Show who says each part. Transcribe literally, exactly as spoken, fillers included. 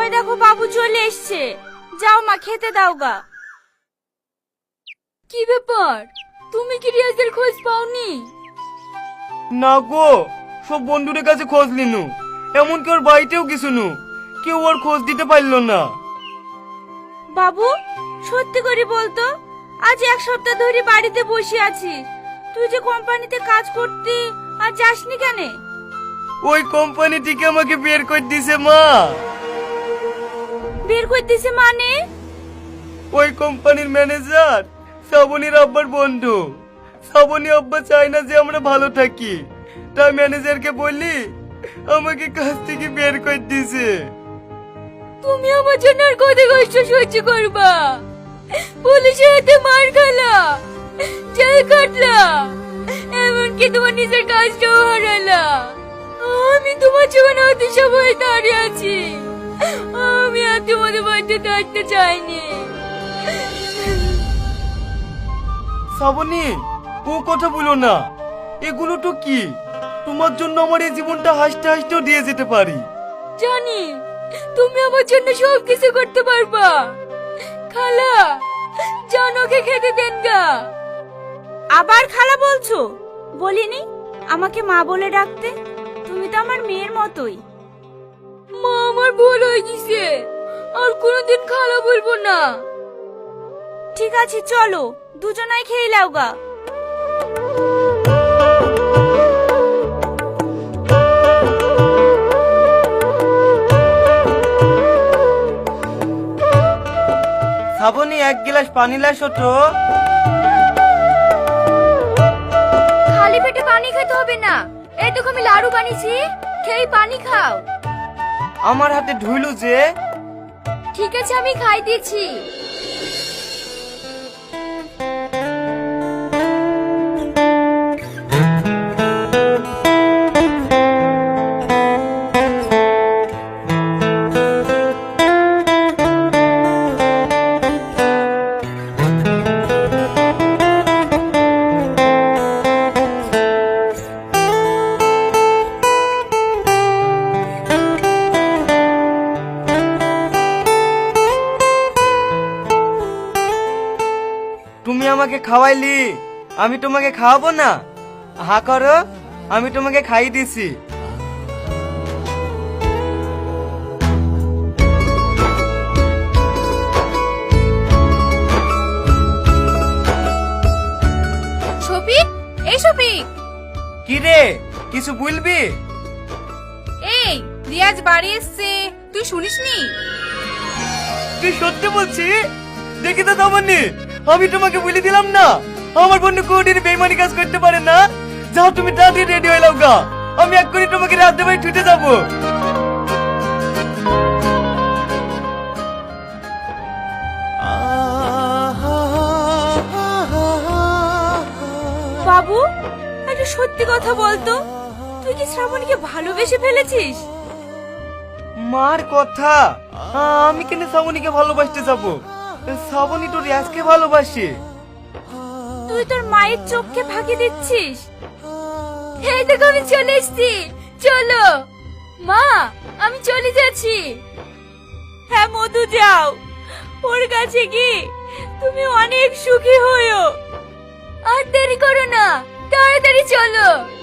Speaker 1: ওই দেখো বাবু চলে এসছে, যাও মা খেতে দাও গা। কি ব্যাপার, তুমি কি রিয়াজের খোঁজ পাওনি?
Speaker 2: না গো, সব বন্ধুদের কাছে খোঁজ নিনু, এমনকি ওর বাড়িতেও কিছু নু, কেউ ওর খোঁজ দিতে পারলো না।
Speaker 1: বাবু সত্যি করে বলতো, আজ এক সপ্তাহ ধরে বাড়িতে বসে আছিস, তুই যে কোম্পানিতে কাজ করতি আর যাসনি কেন?
Speaker 2: ওই কোম্পানি থেকে আমাকে বের করে দিছে মা।
Speaker 1: বের করে দিছে মানে?
Speaker 2: ওই কোম্পানির ম্যানেজার শ্রাবণীর আব্বার বন্ধু। শ্রাবণী আব্বা চায় না যে আমরা ভালো থাকি, তাই ম্যানেজারকে বললি আমাকে কাজ থেকে বের করে দিছে।
Speaker 1: তুমি আমার জন্য আর কত কষ্ট সহ্য করবা? পুলিশের হাতে মার খেলা, জেল কাটলা, এমনকি তোমার নিজের কাজটাও হারালা। আমি তোমার জীবনে অতি সময় দাঁড়িয়ে আছি, আমি আর তোমাদের বাড়িতে থাকতে চাইনি।
Speaker 2: শ্রাবণী, ও কথা বলো না, এগুলো তো কি, তোমার জন্য আমার এই জীবনটা হাসতে হাসতেও দিয়ে যেতে পারি।
Speaker 1: জানি তুমি আমার জন্য সব কিছু করতে পারবা। খালা, জানোকে খেতে দেন গা। আবার খালা বলছো? বলিনি আমাকে মা বলে ডাকতে? তুমি তো আমার মেয়ের মতোই। মা, আমার ভুল হয়ে গেছে, আর কোনোদিন খালা বলবো না। ঠিক আছে চলো, দুজনাই খেয়ে লাও গা।
Speaker 2: শ্রাবণী, এক গ্লাস পানি লাসো তো।
Speaker 1: খালি পেটে পানি খেতে হবে না, এই দেখো আমি লাড়ু বানিয়েছি, খেয়ে পানি খাও।
Speaker 2: আমার হাতে ধুইলু যে।
Speaker 1: ঠিক আছে আমি খাই দিয়েছি।
Speaker 2: তুমি আমাকে খাওয়াইলি, আমি তোমাকে খাওয়াবো না? হা করো, আমি তোমাকে খাইয়ে দিছি।
Speaker 1: শফিক, এই শফিক।
Speaker 2: কি রে, কিছু বলবি?
Speaker 1: এই রিয়াজ বাড়ি এসছে, তুই শুনিসনি?
Speaker 2: তুই সত্যি বলছি? দেখি তো তামান্নি, আমি তোমাকে বলে দিলাম না আমার বন্ধু কোনদিন বেইমানি কাজ করতে পারে না। যাও তুমি তাড়াতাড়ি রেডি হয়ে নাও গা, আমি এক্ষুনি তোমাকে রাতে বাড়ি ছুটে যাবো।
Speaker 1: বাবু, একটা সত্যি কথা বলতো, তুই কি শ্রাবণীকে ভালোবেসে ফেলেছিস?
Speaker 2: মার কথা, আমি কেন শ্রাবণীকে ভালোবাসতে যাবো? শ্রাবণী তো রিয়াজকে ভালোবাসে।
Speaker 1: তুই তোর মায়ের চোখকে ফাঁকি দিচ্ছিস। এই দেখো আমি চলে এসেছি, চলো। মা, আমি চলে যাচ্ছি। হ্যাঁ মধু, যাও, ওর কাছে কি তুমি অনেক সুখী হয়েও। আর দেরি করো না, তাড়াতাড়ি চলো।